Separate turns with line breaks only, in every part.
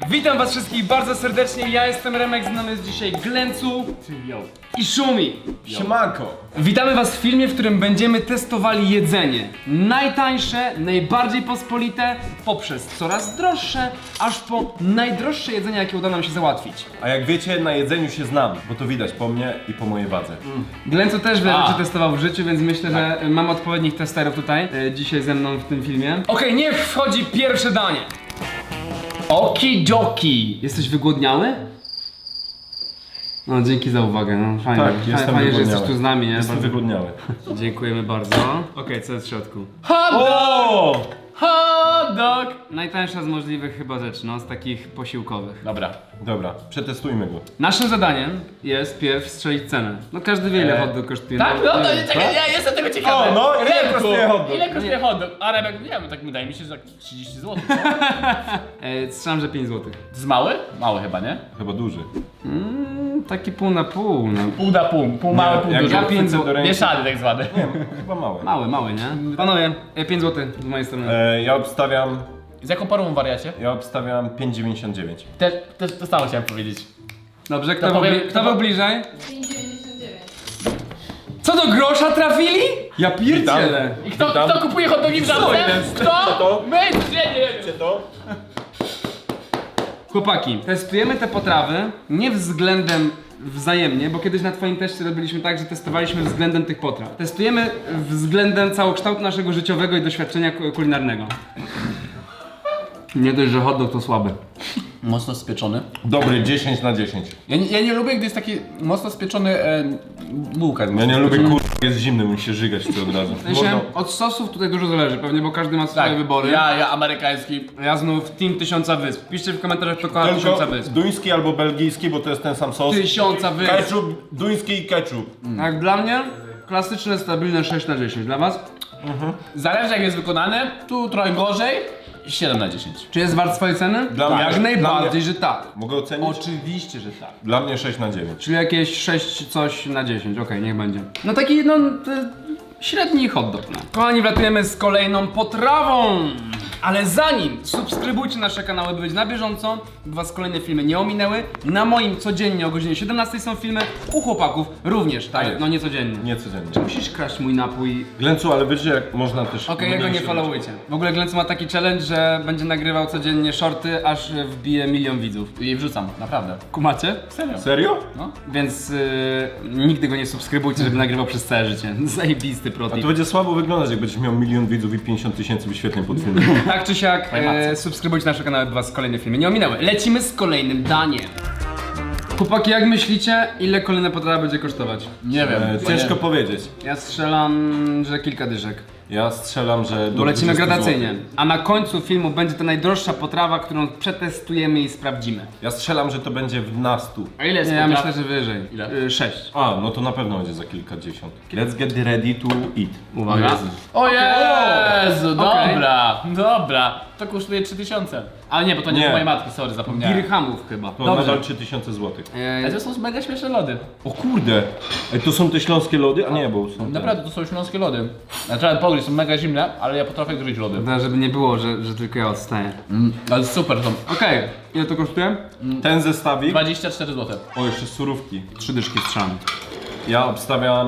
Witam was wszystkich bardzo serdecznie, ja jestem Remek, z nami jest dzisiaj Glencu i Szumi.
Siemanko!
Witamy was w filmie, w którym będziemy testowali jedzenie. Najtańsze, najbardziej pospolite, poprzez coraz droższe, aż po najdroższe jedzenie, jakie uda nam się załatwić.
A jak wiecie, na jedzeniu się znam, bo to widać po mnie i po mojej wadze.
Glencu też wiele rzeczy testował w życiu, więc myślę, że mam odpowiednich testerów tutaj, dzisiaj ze mną w tym filmie. Okej, niech wchodzi pierwsze danie. Okidoki! Jesteś wygłodniały? No dzięki za uwagę, no fajnie.
Tak, jestem
fajnie, że
wygłodniały.
jesteś tu z nami, nie?
Jestem wygłodniały.
Dziękujemy bardzo. Okej, co jest w środku?
O!
Hot dog! Najtańsza z możliwych chyba rzeczy, no z takich posiłkowych.
Dobra, przetestujmy go.
Naszym zadaniem jest pierw strzelić cenę. No każdy wie ile hot dog kosztuje.
Tak? No to czekaj, ja jestem tego ciekawy.
O, no, ile
Remku,
kosztuje hot dog?
Ile kosztuje hot dog? A Remek, nie wiem, tak wydaje mi się, że tak 30 zł.
Strzelam, że 5 zł.
To jest mały? Mały chyba, nie?
Chyba duży.
Taki pół na pół, no.
Pół na pół, pół mały, pół
jak
duży.
ja
pięć
chwycę
zł-
do ręki-
Mieszany tak zwany.
Nie, chyba małe.
Mały, nie? Panowie, 5 zł z mojej strony.
Z jaką porą wariacie?
Ja obstawiam 5,99.
Też to samo chciałem powiedzieć.
Dobrze,
to powiem-
kto był bliżej?
5,99.
Co do grosza trafili? Ja pierdzielę.
I kto kupuje hot dogi w
Co
żabce?
jest?
Kto? My? Nie.
to?
Chłopaki, testujemy te potrawy nie względem wzajemnie, bo kiedyś na twoim teście robiliśmy tak, że testowaliśmy względem tych potraw. Testujemy względem całokształtu naszego życiowego i doświadczenia kulinarnego. Nie dość, że hot dog to słaby.
Mocno spieczony.
Dobry, 10 na 10.
Ja nie lubię, gdy jest taki mocno spieczony bułka.
Ja nie lubię jest zimny, musi się żygać tu od razu.
W sensie, od sosów tutaj dużo zależy pewnie, bo każdy ma swoje
Tak,
wybory.
ja amerykański.
Ja znów Team 1000 Wysp. Piszcie w komentarzach, kto kocha 1000
Tylko
Wysp.
duński albo belgijski, bo to jest ten sam sos.
1000 Wysp.
Ketchup, duński i ketchup.
Jak dla mnie, klasyczne, stabilne 6 na 10. Dla was?
Zależy jak jest wykonane, tu trochę gorzej. 7 na 10.
Czy jest wart swojej ceny?
Dla mnie-
Jak
dla
najbardziej,
mnie-
że tak.
Mogę ocenić?
Oczywiście, że tak.
Dla mnie 6 na 9.
Czyli jakieś 6 coś na 10, okej, niech będzie. No taki, no, średni hot dog, no. Kochani, wlatujemy z kolejną potrawą! Ale zanim subskrybujcie nasze kanały, by być na bieżąco, by was kolejne filmy nie ominęły. Na moim codziennie o godzinie 17 są filmy, u chłopaków również, tak,
jest.
no nie codziennie.
Nie codziennie.
Musisz kraść mój napój.
Glencu, ale wiecie jak można też...
Okej, jego nie
mniejsze
followujcie. W ogóle Glencu ma taki challenge, że będzie nagrywał codziennie shorty, aż wbije 1 000 000 widzów.
I wrzucam, naprawdę.
Kumacie?
Serio.
Serio?
Więc nigdy go nie subskrybujcie, żeby nagrywał przez całe życie. Zajebisty
A
protip.
to będzie słabo wyglądać, jak będziesz miał 1 000 000 widzów i 50 000 wyświetleń pod filmem.
Tak czy siak, subskrybujcie nasze kanały, by was kolejne filmy nie ominęły. Lecimy z kolejnym daniem. Chłopaki, jak myślicie, ile kolejne potrawa będzie kosztować?
Nie wiem.
Ciężko powiedzieć.
Ja strzelam, że kilka dyszek.
Ja strzelam, że do
Bo lecimy
20
gradacyjnie.
złotych.
A na końcu filmu będzie to najdroższa potrawa, którą przetestujemy i sprawdzimy.
Ja strzelam, że to będzie w nastu.
A ile jest
Nie, ja
potraw?
myślę, że wyżej.
Ile?
6.
A, no to na pewno będzie za kilkadziesiąt. Let's get ready to eat.
Uwaga.
O Jezu,
Okej.
dobra. To kosztuje 3000. Ale nie, bo to nie
Nie.
do mojej matki, sorry, zapomniałem.
Dirhamów chyba.
To nadal 3000 złotych.
Ale to są mega śmieszne lody.
O kurde! Ej, to są te śląskie lody? A nie, bo są te.
Naprawdę, to są śląskie lody. Ja trzeba powiedzieć, są mega zimne, ale ja potrafię gryźć lody.
Dobra, żeby nie było, że tylko ja odstaję.
Ale super są.
Okej, ile to kosztuje?
Ten zestawik.
24 zł.
O, jeszcze surówki.
3 dyszki strzelam.
Ja obstawiam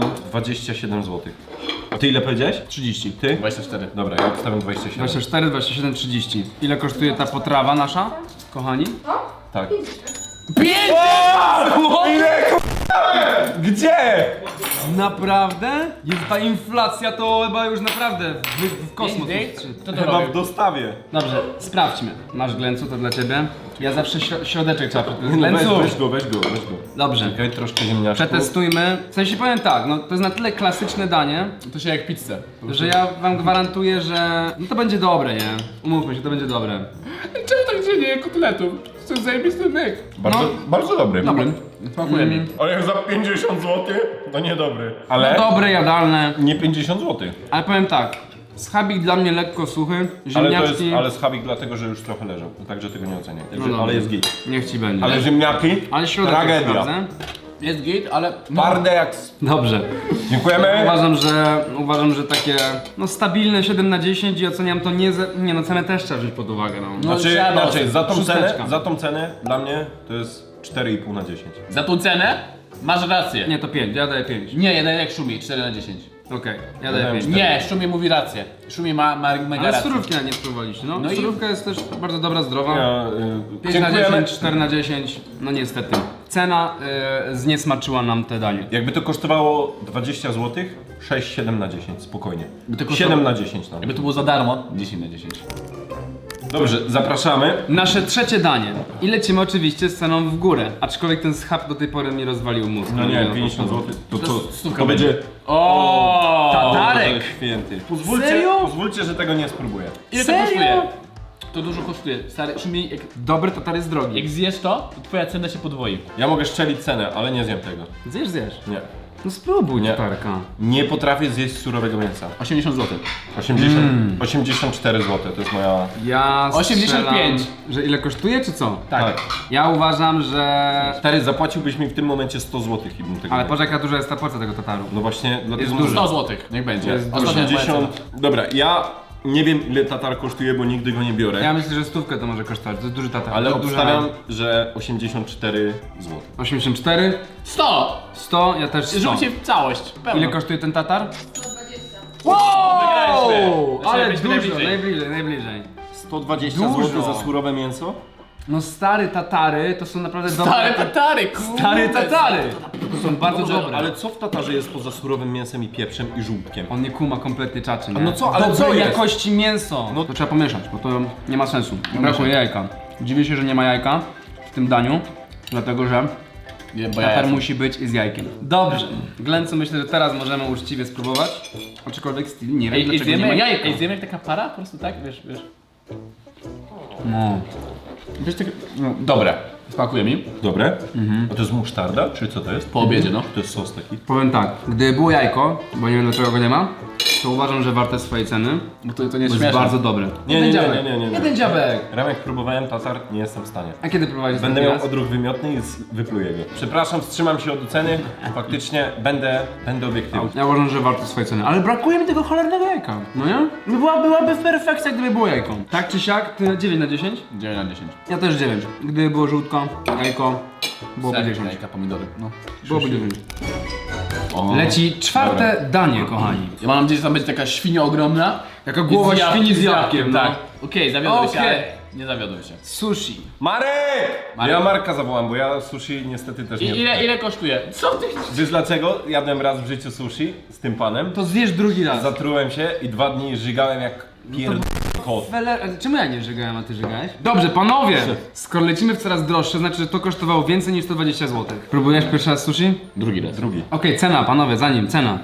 27 złotych. A ty ile powiedziałeś?
30.
Ty?
24.
Dobra, ja obstawiam 27.
24, 27, 30. Ile kosztuje ta potrawa nasza, kochani?
Tak.
5!
Gdzie?
Naprawdę? Jest ta inflacja to chyba już naprawdę w kosmos.
To
Chyba
robię.
w dostawie.
Dobrze, sprawdźmy. Masz Glencu, to dla ciebie. Ja zawsze środeczek trzeba przetestować.
No
Glencu!
weź go.
Dobrze.
Czekaj, troszkę ziemniaczków.
Przetestujmy. W sensie powiem tak, no to jest na tyle klasyczne danie,
To się jak pizzę.
że ja wam gwarantuję, że no to będzie dobre, nie? Umówmy się, to będzie dobre.
Czemu tak się dzieje kotletów? To jest zajebisty myk.
Bardzo dobry.
Dobry.
Smakuje mi.
Ale jak za 50 zł, to niedobry.
No
Ale
dobre, jadalne.
nie 50 zł.
Ale powiem tak, schabik dla mnie lekko suchy,
Ale to
ziemniaczki,
jest, ale schabik dlatego, że już trochę leżał. Także tego nie oceniaj. Także,
dobra.
ale jest git.
niech ci będzie.
Ale ziemniaki?
Ale środek
tragedia.
sprawdzę.
jest git, ale...
Twarde jak...
Dobrze.
Dziękujemy.
Uważam, że takie no stabilne 7 na 10 i oceniam to nie no cenę też trzeba wziąć pod uwagę no.
Znaczy,
trzeba
inaczej,
szósteczka.
za tą cenę dla mnie to jest 4,5 na 10.
Za tą cenę masz rację.
Nie, to 5, ja daję 5.
Nie, jeden jak Szumi, 4 na 10.
Okej, ja daję 5.
Nie, Szumi mówi rację. Szumi ma mega
Ale
rację.
surówki nawet nie spróbowaliście, no.
No i-
Surówka jest też bardzo dobra, zdrowa.
Ja,
5 na
dziękujemy.
10, 4 na 10, no niestety. Cena zniesmaczyła nam te danie.
Jakby to kosztowało 20 zł, 6-7 na 10, spokojnie.
By to
7 na 10 nawet.
Jakby to było za darmo, 10 na 10.
Dobrze, zapraszamy.
Nasze trzecie danie. I lecimy oczywiście z ceną w górę. Aczkolwiek ten schab do tej pory mi rozwalił mózg.
No nie, 50 zł. To co?
stówka
To będzie...
O,
Tatarek!
To jest święty. Pozwólcie,
Serio?
pozwólcie, że tego nie spróbuję.
Ile to
Serio?
kosztuje? To dużo kosztuje. Stary, Szumi,
Dobry tatar jest drogi.
jak zjesz to twoja cena się podwoi.
Ja mogę szczelić cenę, ale nie zjem tego.
Zjesz.
Nie.
No spróbuj
Nie.
tatarka.
Nie potrafię zjeść surowego mięsa.
80 zł.
84 zł to jest moja...
Ja
85.
strzelam, że ile kosztuje czy co?
Tak.
Ja uważam, że...
Stary, zapłaciłbyś mi w tym momencie 100 zł i bym tego
Ale
nie-
patrz jaka duża jest ta porcja tego tataru.
No właśnie, dlatego
Jest
mówię.
dużo.
100 zł, niech będzie.
Jest
Ostatnia moja
80...
cena.
Dobra, ja nie wiem ile tatar kosztuje, bo nigdy go nie biorę.
Ja myślę, że stówkę to może kosztować, to jest duży tatar.
Ale
to duża-
obstawiam, że 84 zł.
84,
100!
100, ja też 100.
Rzućcie w całość. Pełno.
Ile kosztuje ten tatar?
120.
Wygraliśmy.
Ale
Zaczynamy
dużo,
być
najbliżej.
120
Dużo.
zł za surowe mięso?
No stary tatary to są naprawdę
Stary
dobre...
tatary, kurde.
Stary tatary! To są bardzo
Dobrze,
dobre.
ale co w tatarze jest poza surowym mięsem i pieprzem i żółtkiem?
On nie kuma kompletnie czaczy, nie?
no co, ale
Dobrej
co jest?
jakości mięso! No to trzeba pomieszać, bo to nie ma sensu. Brakuje jajka. Dziwię się, że nie ma jajka w tym daniu, dlatego że
Nie, bo ja
tatar
jestem.
musi być i z jajkiem. Dobrze. Glencu, myślę, że teraz możemy uczciwie spróbować. Aczkolwiek styl nie wiem,
Ej,
dlaczego nie ma
zjemy,
jajka.
ej, zjemy jak taka para? Po prostu tak, wiesz.
No.
Wiesz tak... No, dobre. Smakuje mi.
Dobre? A to jest musztarda, czy co to jest?
Po obiedzie, no.
To jest sos taki?
Powiem tak, gdyby było jajko, bo nie wiem dlaczego go nie ma, to uważam, że warte swojej ceny,
Bo to nie
bo
jest
jest
śmieszne.
bardzo dobre.
Nie,
Jeden
nie,
dziabek.
nie.
Jeden dziabek.
Ramek, próbowałem tatar, nie jestem w stanie.
A kiedy prowadzisz
Będę
taki
miał
raz?
odruch wymiotny i wypluję go. Przepraszam, wstrzymam się od oceny. Faktycznie będę obiektywny.
Ja uważam, że warto swojej ceny, ale brakuje mi tego cholernego jajka, no nie? Byłaby perfekcja, gdyby było jajko. Tak czy siak, ty 9 na 10?
9 na 10.
Ja też 9. Gdyby było żółtko, jajko, byłoby 10.
Jajka, pomidory. No.
Byłoby 9.
O.
Leci czwarte danie, kochani.
Ja mam nadzieję, że tam będzie taka świnia ogromna.
Jaka głowa
I z
świni z jabłkiem, no.
tak. Okej, zawiodłem się,
Okej.
ale nie zawiodłem się.
Sushi.
Marek!
Marek.
Ja Marka zawołam, bo ja sushi niestety też
I
nie
ile kosztuje? Co ty?
Wiesz dlaczego? Jadłem raz w życiu sushi z tym panem.
To zjesz drugi raz.
Zatrułem się i 2 dni żygałem jak kot.
Ale czemu ja nie żygałem, a ty żygałeś? Dobrze, panowie! Skoro lecimy w coraz droższe, znaczy, że to kosztowało więcej niż 120 zł. Próbujesz pierwszy raz sushi?
Drugi raz.
Drugi.
Okej, cena, panowie, zanim, cena.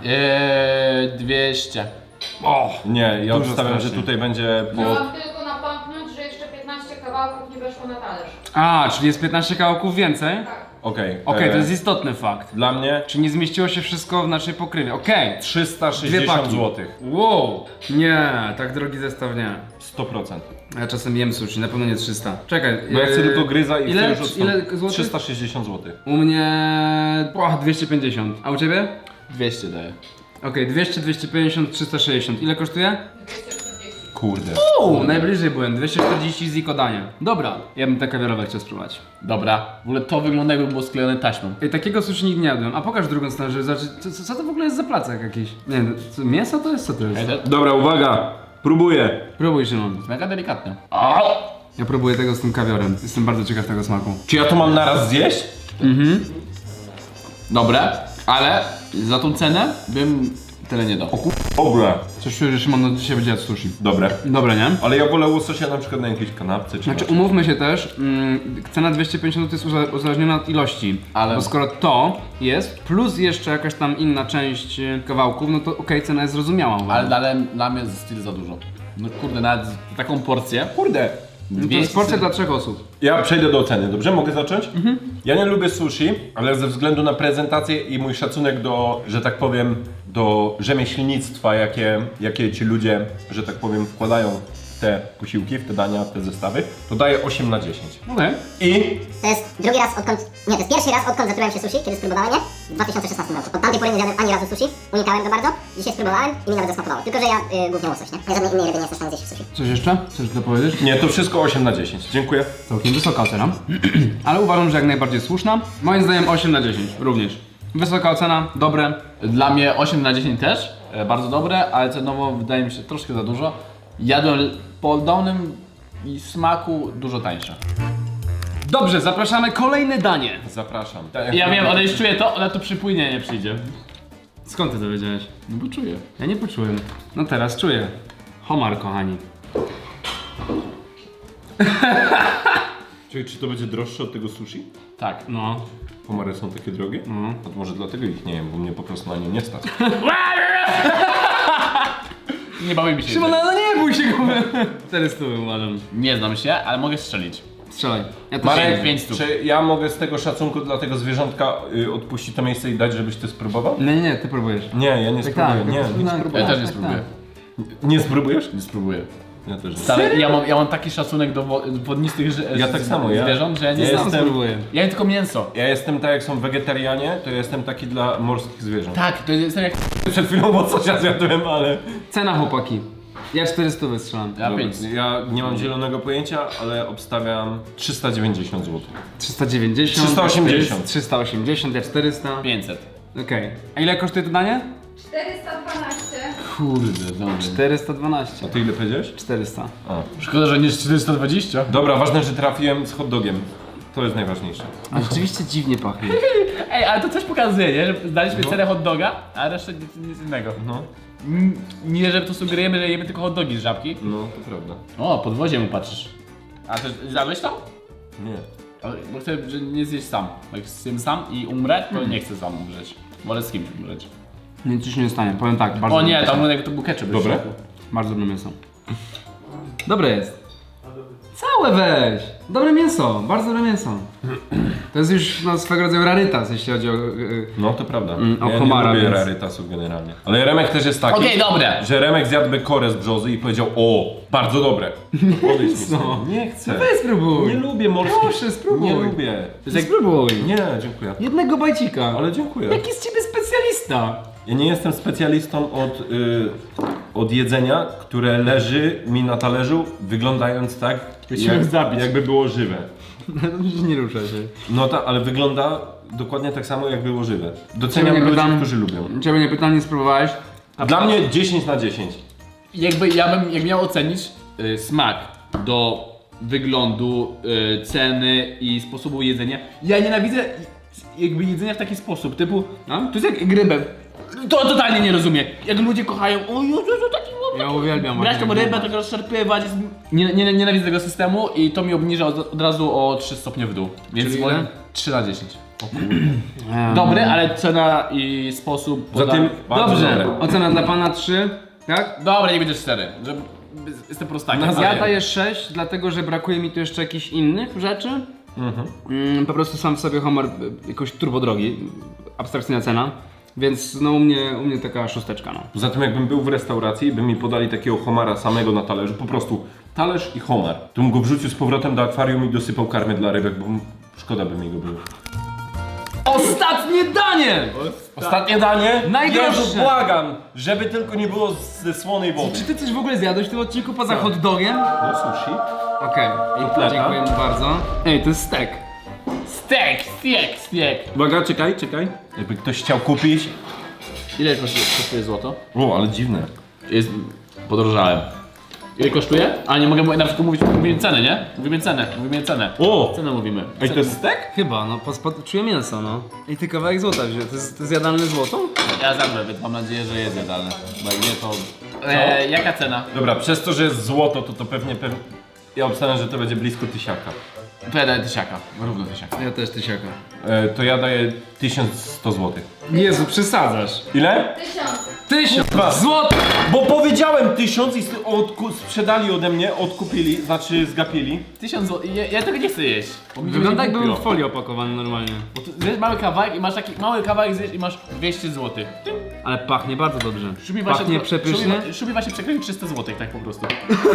200.
Nie, ja
Dużo
obstawiam, że
strasznie.
tutaj będzie po...
Chciałam tylko napomknąć, że jeszcze 15 kawałków nie weszło na talerz.
A, czyli jest 15 kawałków więcej?
Tak.
Okej.
Okej, to jest istotny fakt.
Dla mnie
Czy nie zmieściło się wszystko w naszej pokrywie? Okej.
360
Dwie paki.
zł.
Wow! Nie, tak drogi zestaw nie.
100%.
Ja czasem jem sushi, na pewno nie 300. Czekaj.
Bo ja chcę tylko gryza i
ile,
chcę już
ile złotych?
360 zł.
U mnie... 250. A u ciebie?
200 daję.
Okej, 200, 250, 360. Ile kosztuje?
240.
Kurde.
Najbliżej byłem. 240 ziko dania. Dobra, ja bym te kawiarowe chciał spróbować.
Dobra. W ogóle to wygląda jakby było sklejone taśmą.
Ej, takiego sushi nigdy nie jadłem. A pokaż drugą stronę, żeby zobaczyć, co to w ogóle jest za placek jakiś? Nie wiem, co, mięso to jest? Co to jest?
Dobra, uwaga. Próbuję.
Próbuj, Szymon.
Mega delikatne.
Ja próbuję tego z tym kawiorem. Jestem bardzo ciekaw tego smaku.
Czy ja to mam naraz zjeść?
Dobre, ale za tą cenę bym tyle nie dał.
Dobra.
Coś czuję, że Szymon dzisiaj będzie jadł sushi.
Dobre.
Dobre, nie?
Ale ja wolę łososia na przykład na jakiejś kanapce czy
Znaczy
na...
umówmy się też, cena 250 jest uzależniona od ilości,
Ale-
bo skoro to jest, plus jeszcze jakaś tam inna część kawałków, no to okej, cena jest zrozumiała.
Ale dla mnie jest styl za dużo. No kurde, nawet za taką porcję.
Kurde.
No to jest porcja dla 3 osób.
Ja przejdę do oceny, dobrze? Mogę zacząć? Ja nie lubię sushi, ale ze względu na prezentację i mój szacunek do, że tak powiem, do rzemieślnictwa, jakie ci ludzie, że tak powiem, wkładają te posiłki, w te dania, w te zestawy, to daję 8 na 10.
Okej.
I
To jest drugi raz odkąd, nie, to jest pierwszy raz odkąd zatrułem się sushi, kiedy spróbowałem je w 2016 roku. Od tamtej pory nie zjadłem ani razu sushi, unikałem go bardzo. Dzisiaj spróbowałem i mi nawet zasmakowało. Tylko, że ja głównie łosoś, nie? Ja żadnej innej ryby nie jestem w stanie zjeść w sushi.
Coś jeszcze? Chcesz to powiedzieć?
nie, to wszystko 8 na 10. Dziękuję.
Całkiem wysoka ocena, ale uważam, że jak najbardziej słuszna. Moim zdaniem 8 na 10 również. Wysoka ocena, dobre.
Dla mnie 8 na 10 też, bardzo dobre, ale cenowo wydaje mi się troszkę za dużo. Jadłem po dolnym i smaku dużo tańsze.
Dobrze, zapraszamy kolejne danie.
Zapraszam.
Ja wiem, ona już czuje to, ona tu przypłynie, nie przyjdzie.
Skąd ty to wiedziałeś?
No bo czuję.
Ja nie poczułem. No teraz czuję. Homar, kochani.
Czy to będzie droższe od tego sushi?
Tak.
No.
Homary są takie drogie? A to może dlatego ich nie jem, bo mnie po prostu na nie nie stać.
Nie bawimy się.
Szymon, no nie bój się go. 400 uważam.
Nie znam się, ale mogę strzelić.
Strzelaj. Ja to
Marek,
się...
500.
czy ja mogę z tego szacunku dla tego zwierzątka odpuścić to miejsce i dać, żebyś ty spróbował?
Nie, ty próbujesz.
Nie, ja nie spróbuję.
tak,
Nie,
tak,
spróbuję.
Ja też nie
tak,
spróbuję.
Nie spróbujesz?
Nie spróbuję.
Ja też nie.
Stary, ja mam taki szacunek do wodnistych
Ja tak samo, ja-
zwierząt, że ja nie
ja
znam.
jestem-
Spróbuję.
Ja jem tylko mięso.
Ja jestem tak jak są wegetarianie, to ja jestem taki dla morskich zwierząt.
Tak, to jestem jak...
Przed chwilą łososia zjadłem, ale...
Cena, chłopaki. Ja 400 wystrzelam.
Ja
Dobra,
5.
ja nie mam zielonego pojęcia, ale obstawiam 390 zł.
390.
380.
380, ja 400.
500.
Okej. A ile kosztuje to danie?
412.
Kurde, dobrze.
412.
A ty ile powiedziałeś?
400.
A.
Szkoda, że nie 420.
Dobra, ważne, że trafiłem z hot dogiem. To jest najważniejsze.
A rzeczywiście dziwnie pachnie.
Ej, ale to coś pokazuje, nie? Że zdaliśmy cenę hot doga, a resztę nic innego.
No,
Nie, że to sugerujemy, że jemy tylko hot dogi z żabki.
no, to prawda.
O, podwozie mu patrzysz. A to zjadłeś to?
Nie.
Ale- Bo chcę, że nie zjeść sam. Jak zjem sam i umrę, to nie chcę sam umrzeć. Wolę z kimś umrzeć.
Nic ci się nie stanie, powiem tak. Bardzo
O nie,
dobre
tam
mięso.
jak to był ketchup.
Dobre?
w środku.
Bardzo dobre mięso. Dobre jest. Całe weź! Dobre mięso, bardzo dobre mięso. To jest już no, swego rodzaju rarytas, jeśli chodzi o...
No, to prawda.
o
Ja
homara,
nie lubię
więc-
rarytasów generalnie. Ale Remek też jest taki,
Okej, dobre.
że Remek zjadłby korę z brzozy i powiedział: o, bardzo dobre. Odejdź mi stąd. Nie chcę.
Weź spróbuj!
Nie lubię morskich.
Proszę, spróbuj.
Nie lubię.
Spróbuj!
Nie, dziękuję.
Jednego bajcika.
Ale dziękuję.
Jaki z ciebie specjalista?
Ja nie jestem specjalistą od jedzenia, które leży mi na talerzu, wyglądając tak,
Chciałem zabić.
jakby było żywe.
Nie rusza się.
No tak, ale wygląda dokładnie tak samo, jak było żywe.
Ciebie
Doceniam
nie
ludzi,
pytam.
którzy lubią.
Ciebie nie pytam, nie spróbowałeś?
Dla mnie 10 na 10.
Jakby ja bym jak miał ocenić smak do wyglądu, ceny i sposobu jedzenia. Ja nienawidzę jakby jedzenia w taki sposób, typu,
No?
to jest jak rybę. To totalnie nie rozumiem. Jak ludzie kochają, o Jezu, taki
Ja uwielbiam
brać tą
właśnie
rybę, tak rozszarpywać. Nienawidzę tego systemu i to mi obniża od razu o 3 stopnie w dół. Więc
Czyli
moim
ile?
3 na 10. Dobry, ale cena i sposób.
Zatem bardzo
Dobrze,
dobre.
ocena dla pana 3, tak?
Dobra, nie będzie 4. Jestem prostakiem.
Ja daję 6, dlatego że brakuje mi tu jeszcze jakichś innych rzeczy. Po prostu sam w sobie homar jakoś turbo drogi, abstrakcyjna cena. Więc no u mnie taka szósteczka, no.
Poza tym jakbym był w restauracji i by mi podali takiego homara samego na talerzu, po prostu talerz i homar, to bym go wrzucił z powrotem do akwarium i dosypał karmy dla rybek, bo szkoda by mi go było.
Ostatnie danie!
Ostatnie danie?
Najdroższe.
Jezu, błagam, żeby tylko nie było ze słonej wody.
Czy ty coś w ogóle zjadłeś w tym odcinku poza hot dogiem?
No sushi.
Okej,
Kotleta.
dziękuję mu bardzo. Ej, to jest steak.
Steak.
Uwaga, czekaj. Jakby ktoś chciał kupić.
Ile kosztuje złoto?
O, ale dziwne.
Jest... Podrożałem. Ile kosztuje? A nie mogę na przykład mówimy cenę, nie? Mówimy cenę.
O!
Cenę mówimy.
Ej, to jest stek?
Chyba, no czuję mięso, no. I ty kawałek złota wziął, to jest jadalne złoto?
Ja zjadłem, więc mam nadzieję, że jest jadalne. Bo jak nie, to... Jaka cena?
Dobra, przez to, że jest złoto, to pewnie... Ja obstawiam, że to będzie blisko 1000.
To ja daję tysiaka. Równo tysiaka.
Ja też tysiaka.
To ja daję 1100 zł.
Jezu, przesadzasz.
Ile?
1000.
1000 złotych!
Bo powiedziałem 1000 i sprzedali ode mnie, odkupili, znaczy zgapili.
1000 zł. Ja tego nie chcę jeść. Bo mi
Wygląda
będzie
jakby był w
głupio.
folii opakowany normalnie.
Bo tu zjesz mały kawałek i masz taki mały kawałek zjesz i masz 200 zł.
Ale pachnie bardzo dobrze.
Szubi
Pachnie przepysznie.
Szubi właśnie przekręcił 300 zł, tak po prostu.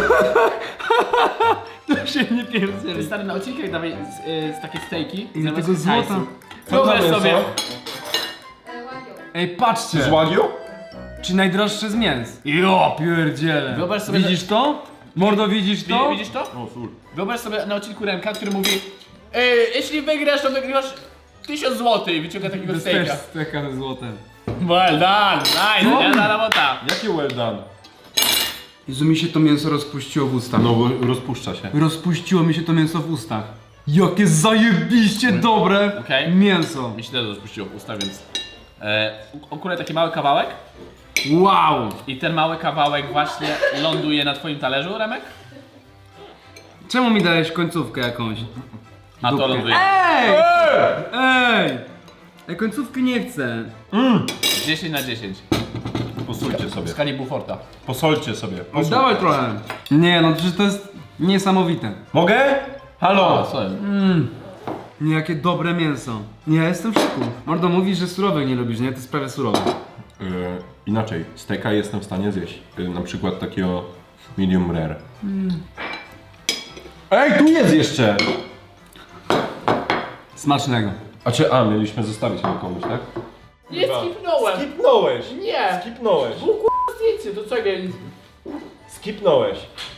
To się nie
Ty
pierdzieli.
stary, na odcinkach dawaj z takie stejki.
Ile
zamiast
tego złota?
hajsu.
Co to
Wyobraź
mięso?
sobie.
Łagią.
Ej, patrzcie.
Z Wagyu?
Czy najdroższe z mięs? Jo, pierdziele.
Wyobraź sobie,
Widzisz to? Mordo, widzisz to?
Widzisz to?
O, sól.
Wyobraź sobie na odcinku Remka, który mówi jeśli wygrasz, to wygrywasz 1000 zł i wyciąga takiego
To
stejka.
też steka ze złotem.
Well done, nice, jedna robota.
Jakie well done?
Jezu, mi się to mięso rozpuściło w ustach.
No bo rozpuszcza się.
Rozpuściło mi się to mięso w ustach. Jakie zajebiście dobre
Okej.
mięso.
Mi się też rozpuściło w usta, więc... Akurat taki mały kawałek
Wow.
i ten mały kawałek właśnie ląduje na twoim talerzu, Remek?
Czemu mi dałeś końcówkę jakąś?
A to
Dupkę.
ląduje.
Ej! Ej! Ej, końcówki nie chcę.
10 na 10.
Posolcie sobie.
W skali Buforta.
Posolcie sobie.
Dawaj trochę. Nie no, przecież to jest niesamowite.
Mogę? Halo!
O, co jest?
Nie, jakie dobre mięso. Nie, ja jestem w szoku. Mordo, mówisz, że surowych nie lubisz, nie? To jest prawie surowe.
Inaczej, steka jestem w stanie zjeść. Na przykład takiego medium rare. Ej, tu jest jeszcze!
Smacznego.
A mieliśmy zostawić go komuś, tak?
Nie skipnąłem!
Skipnąłeś!
Nie!
Skipnąłeś!
Był k***a zdjęcie, to czego?
Skipnąłeś!